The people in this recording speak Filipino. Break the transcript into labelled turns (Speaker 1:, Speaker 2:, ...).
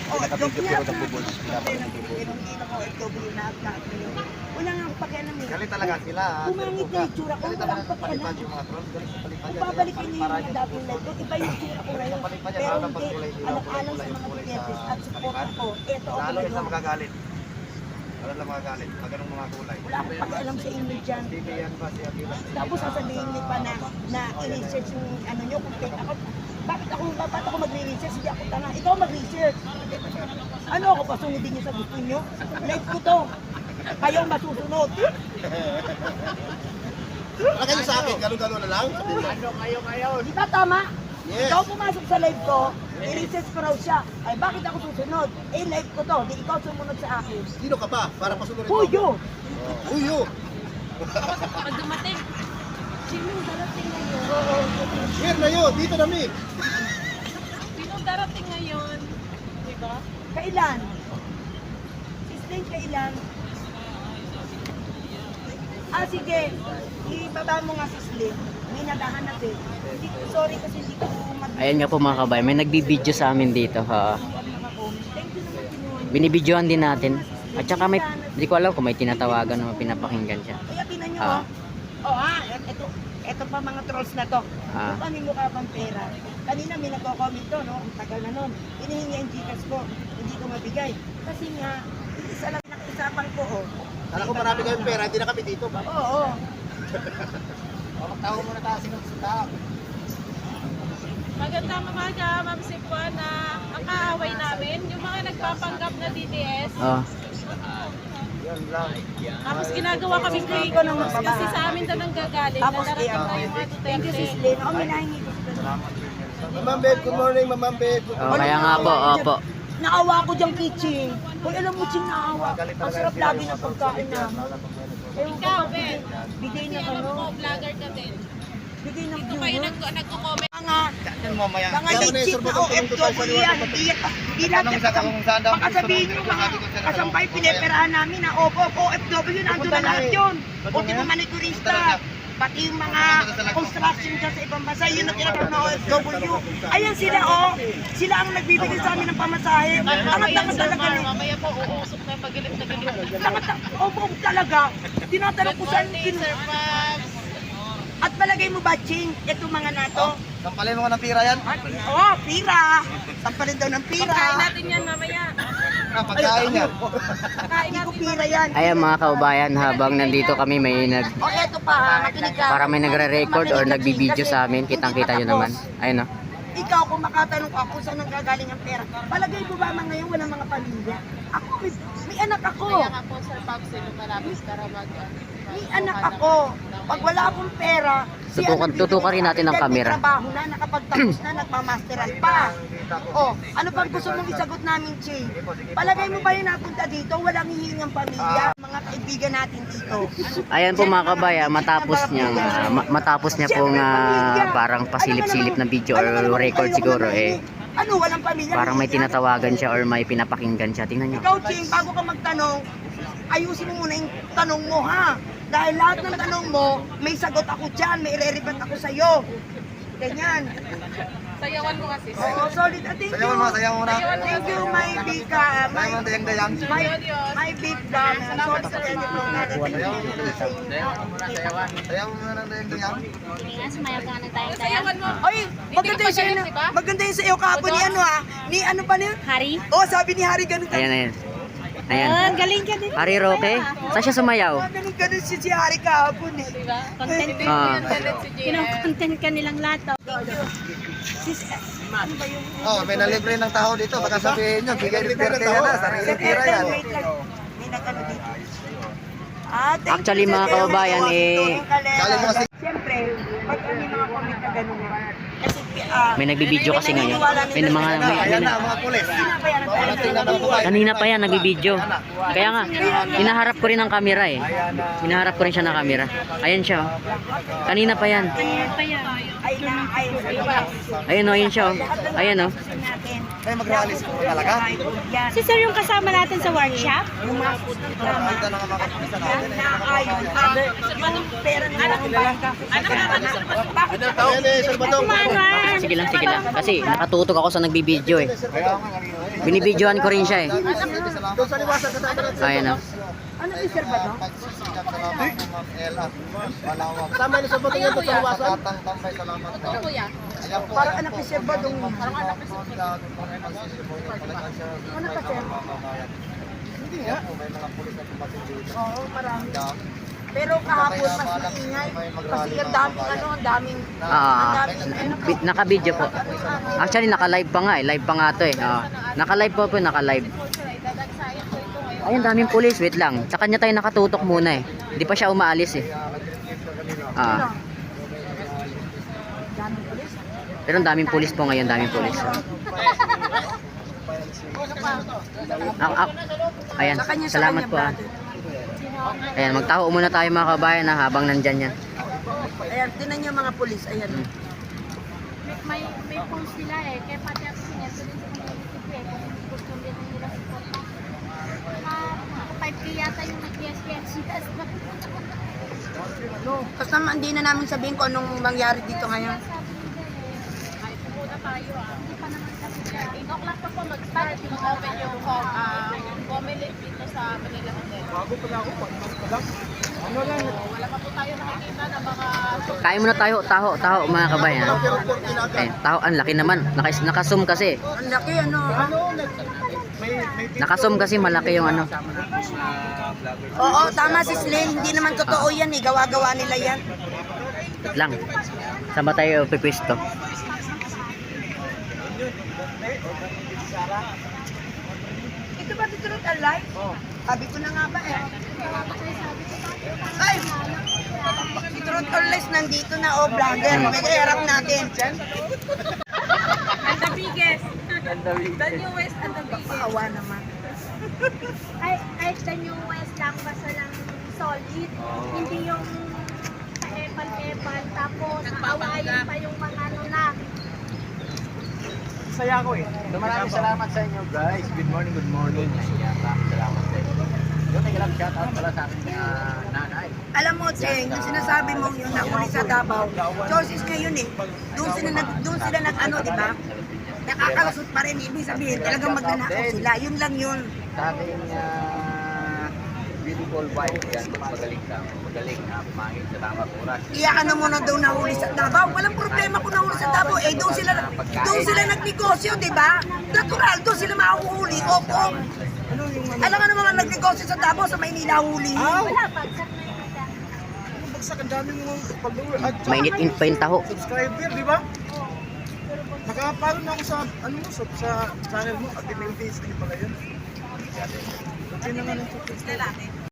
Speaker 1: Pinaka-video pero nagbubuls. Pinaka-video ko FW na at wala nga akong pakialam eh.
Speaker 2: Galit talaga sila.
Speaker 1: Pumangit na yung tsura ko,
Speaker 2: Galit
Speaker 1: wala
Speaker 2: talaga
Speaker 1: akong
Speaker 2: sa palipad
Speaker 1: pakialam.
Speaker 2: yung mga trolls. Galit sa palipad
Speaker 1: Kung
Speaker 2: yan.
Speaker 1: babalikin niyo yung dating live ko, iba yung tsura ko ngayon. Pero hindi, alang-alang sa mga Duterte at support ko, eto ako
Speaker 2: Lalo yung sa
Speaker 1: ngayon.
Speaker 2: magagalit. Lalo lang magagalit. Pag ganung mga kulay.
Speaker 1: Wala akong pakialam sa inyo dyan.
Speaker 2: Hindi yan ba si Akila?
Speaker 1: Tapos sasabihin niyo pa na i-research yung ano nyo, kung fake ako. Bakit ako magre-research? Hindi ako tanga. Ikaw mag-research. Ano ako pa sunodin niyo sa gusto niyo? Live ko to. Kayo masusunod.
Speaker 2: Wala kayo sa akin. Gano'n-gano'n na lang.
Speaker 1: Ano kayo ngayon? Di ba tama?
Speaker 2: Yes.
Speaker 1: Ikaw pumasok sa live ko, i-research ko raw siya. Ay bakit ako susunod? Eh live ko to, di ikaw sumunod sa akin.
Speaker 2: Sino ka pa? Para pasunurin mo.
Speaker 1: Puyo!
Speaker 2: Huyo!
Speaker 3: Pag dumating, sinong darating ngayon?
Speaker 2: Here na yun. Dito na mi.
Speaker 3: Sinong darating ngayon? Diba?
Speaker 1: Kailan? Sislin, kailan? Sige. Ibaba mo nga sislin. May naghahanap eh. Sorry kasi hindi ko
Speaker 4: Ayan nga po mga kabayan, may nagbibideo sa amin dito ha.
Speaker 1: Thank you naman kinuha.
Speaker 4: Binibidyoan din natin. At saka may, hindi ko alam kung may tinatawagan o pinapakinggan siya.
Speaker 1: Kaya tinan nyo
Speaker 4: Ah.
Speaker 1: ito pa mga trolls na to.
Speaker 4: Ah.
Speaker 1: Kung kami mukha pang pera. Kanina may nagko-comment to, no? Ang tagal na nun. Hinihingi ang Gcash ko. Hindi ko mabigay. Kasi nga, isa lang nakiusapan ko, oh.
Speaker 2: Kala ko marami kayong pera. Hindi na kami dito.
Speaker 1: Oo.
Speaker 2: Magtawa muna tayo. Sino sa tao?
Speaker 3: Magandang umaga, Ma'am Sipuana. Ang kaaway namin, yung mga nagpapanggap na DDS.
Speaker 4: Oh.
Speaker 2: Yan lang.
Speaker 3: Tapos ginagawa kami fake
Speaker 1: ko nang
Speaker 3: news kasi sa amin daw nang gagaling na
Speaker 1: Tapos,
Speaker 3: darating na yung mga
Speaker 1: Thank you,
Speaker 3: Duterte.
Speaker 1: Sislin. Oh, may nahingi ko.
Speaker 2: Mamam babe, good morning, Mamam babe.
Speaker 4: Oh, kaya nga po, opo.
Speaker 1: Naawa ko diyang kitchen. Hoy, alam mo, Ching, naawa. Ang sarap lagi ng pagkain namin. Ewan ko
Speaker 3: Ikaw,
Speaker 1: ba,
Speaker 3: Ben.
Speaker 1: bigay
Speaker 3: Kasi
Speaker 1: ng
Speaker 3: alam
Speaker 1: ano,
Speaker 3: mo, vlogger ka din.
Speaker 1: bigay ng
Speaker 3: Ito kayo
Speaker 1: viewer.
Speaker 3: nagko-comment.
Speaker 1: Mga legit na OFW yan. Hindi lahat baka sabihin nyo mga kasampay pineperahan namin na OFW nandun na lahat yun. Buti pa manikurista. Pati yung mga construction dyan sa ibang bansa, yun ang tinatawag na OFW. Ayan sila sila ang nagbibigay sa amin ng pamasahe. Tangat-tangat talaga ni.
Speaker 3: Mamaya po, uusok na pagilip na gilip.
Speaker 1: Opo talaga. Tinatanong ko saan
Speaker 3: Sir Pabs.
Speaker 1: At palagay mo ba, Ching, itong mga nato?
Speaker 2: Sampalin mo ng pira yan.
Speaker 1: Pira. Sampalin daw ng pira.
Speaker 3: Pagkain natin yan mamaya.
Speaker 2: Pagkain yan.
Speaker 3: Pagkain
Speaker 1: Hindi ko
Speaker 3: natin
Speaker 1: pira yan.
Speaker 4: Ayan mga kaubayan, habang nandito kami may
Speaker 1: Eto pa, makinig ka.
Speaker 4: para may nagre-record or nagbibideo sa amin, kitang-kita nyo naman. Ayun oh.
Speaker 1: Ikaw, kung makatanong ka kung saan nanggagaling ang pera, palagay mo ba mga ngayon walang mga pamilya? Ako, may anak ako.
Speaker 3: Kaya nga po, Sir Pabs, malapit para mag...
Speaker 1: May anak ako. Pag wala akong pera,
Speaker 4: Tutukan rin natin ang camera.
Speaker 1: May trabaho na, nakapagtapos na, nagmamasteral pa. Ano pang gusto mong isagot namin, Ching? Palagay mo ba yung napunta dito, walang hihingang pamilya? Mga kaibigan natin dito.
Speaker 4: Ayan po mga kabayan, matapos niya pong parang pasilip-silip na video or record siguro eh.
Speaker 1: Ano, walang pamilya?
Speaker 4: Parang may tinatawagan siya or may pinapakinggan siya. Tingnan nyo.
Speaker 1: Ikaw, Ching, bago ka magtanong, ayusin mo muna yung tanong mo, ha? Dahil lahat ng tanong mo, may sagot ako dyan, may ire-rebat ako sa'yo. Ganyan.
Speaker 3: Sayawan mo kasi.
Speaker 1: Oo, solid. Thank you.
Speaker 2: Sayaw mo na.
Speaker 1: Thank you, my big,
Speaker 2: Sayaw mo na dayang-dayang.
Speaker 1: my big, sorry sa kanya po na
Speaker 2: Sayaw mo na ng dayang-dayang.
Speaker 3: Sayawan mo.
Speaker 1: Oy, maganda yung sa'yo kahapon ni ano ni ano pa niya?
Speaker 3: Hari?
Speaker 1: Sabi ni Hari ganun.
Speaker 4: Ayan. Ayan.
Speaker 3: Galing ka din.
Speaker 4: Ari Roque, saan siya sumayaw?
Speaker 1: Ganun si Hari kahapon eh.
Speaker 3: Diba? Content
Speaker 4: Ah.
Speaker 3: si Gina.
Speaker 5: Content ka nilang lahat.
Speaker 1: Sis, ano ba yung...
Speaker 2: May nalibre ng tao dito. Baka sabihin nyo, bigay ni Duterte yan ha. Sarili pira yan.
Speaker 1: Wait lang. May nag-ano dito. Thank
Speaker 4: Actually
Speaker 1: you,
Speaker 4: mga
Speaker 1: Sir
Speaker 4: kababayan
Speaker 1: Erwin.
Speaker 2: Galing mo kasi-
Speaker 1: Siyempre, pag may mga comment na gano'n kasi
Speaker 4: May nagbibideo kasi ngayon.
Speaker 2: Ayan na, mga pulis.
Speaker 4: Kanina pa yan nagbibideo. Kaya nga, hinaharap ko rin ang camera eh. Hinaharap ko rin siya ng camera. Ayan siya oh. Kanina pa yan.
Speaker 1: Ay,
Speaker 4: Ayun oh, ayun siya oh. Ayan oh.
Speaker 1: natin.
Speaker 2: May mag-release po talaga.
Speaker 1: Yan.
Speaker 3: Si sir yung kasama natin sa workshop?
Speaker 1: Yung mga pulis na drama.
Speaker 2: Ito na nga mga kapulisan natin.
Speaker 1: Naayon pa. Yung pera na natin bangka. Bakit?
Speaker 3: Kumaran.
Speaker 4: Sige lang, sige lang. Kasi nakatutok ako sa nagbibideo eh. Binibidyohan ko rin siya eh.
Speaker 2: Doon sa liwasan ka sa
Speaker 4: Ayan o.
Speaker 1: Ano yung sir ba to?
Speaker 2: Pagsisikap salamat po Ma'am Ella. Malawak.
Speaker 5: Sama niyo sa bato niya sa liwasan.
Speaker 2: Katang tambay salamat po. Ayan po.
Speaker 1: Parang anak ni sir ba dong?
Speaker 2: Parang anak ni sir.
Speaker 1: Ano pa sir?
Speaker 2: Hindi nga. May mga pulis na tumating dito.
Speaker 1: Oo, marami.
Speaker 2: Dami.
Speaker 1: Pero kahapon mas maingay. Kasi ang daming ano, ang daming...
Speaker 4: Naka-video po. Actually, naka-live pa nga eh. Live pa nga to eh. Naka-live po po, naka-live. Ayun, daming pulis. Wait lang. Sa kanya tayo nakatutok muna eh. Hindi pa siya umaalis eh. Pero ang daming pulis po ngayon, daming pulis. Ayan, salamat po ah. Ayan, magtaho muna tayo mga kabayan na habang nandyan yan.
Speaker 1: Ayan, tinan niyo mga pulis. Ayan.
Speaker 3: May post sila eh. Kaya pati ako sinento din sa community eh. Kung gusto din nila suporta. 5K yata yung nag-yes-yes.
Speaker 1: Tapos naman, hindi na namin sabihin kung anong mangyari dito ngayon.
Speaker 3: Kahit pumunta tayo Hindi pa naman kasi 8 o'clock pa po mag-start. Mag-open yung Comelec dito sa Manila Hotel.
Speaker 5: Bago pala ako, pa lang. Ano lang,
Speaker 3: Wala pa po tayo nakikita ng mga
Speaker 4: Kain muna tayo, taho mga kabayan. Eh, taho, ang laki naman. Naka-zoom kasi.
Speaker 1: Ang laki, ano.
Speaker 4: Naka-zoom kasi malaki yung ano.
Speaker 1: Oo, tama si Sling. Hindi naman totoo yan eh. Gawa-gawa nila yan.
Speaker 4: Wait lang. Saan ba tayo pipwesto?
Speaker 1: Ito ba dito rin alive? Sabi ko na nga ba eh. Ay! Truth or lies, nandito na oh, vlogger. May kaharap natin.
Speaker 3: And the biggest. The newest and the biggest.
Speaker 1: Paawa naman.
Speaker 3: Ay, the newest lang basta lang solid. Hindi yung epal-epal. Tapos, awayin pa yung mga ano na.
Speaker 5: saya ko eh. Maraming salamat sa inyo guys. Good morning, good morning. Ayan, maraming salamat sa inyo. Yung nag-love shoutout pala sa aking nanay.
Speaker 1: Alam mo, Cheng, yung sinasabi mo yung nahuli sa Davao, choices ngayon eh. Doon sila nag-ano, di ba? Nakakalusot pa rin. Ibig sabihin, talagang magnanakaw sila. Yun lang yun.
Speaker 5: Sa ating beautiful wife yan, magaling na pumangin sa tamang oras.
Speaker 1: Iyakan na muna daw nahuli sa Davao. Walang problema kung nahuli sa Davao. Eh, doon sila nagnegosyo, di ba? Natural, doon sila mahuhuli. Opo. Alam ka naman nagnegosyo sa Davao, sa Maynila huli.
Speaker 3: Wala, bagsak na yung
Speaker 5: Bagsak ang dami mga follower at
Speaker 4: Mainit-init pa yung taho.
Speaker 5: subscriber, di ba? Nakapalo na ako sa sa channel mo at may page din pala yun. Okay na nga ng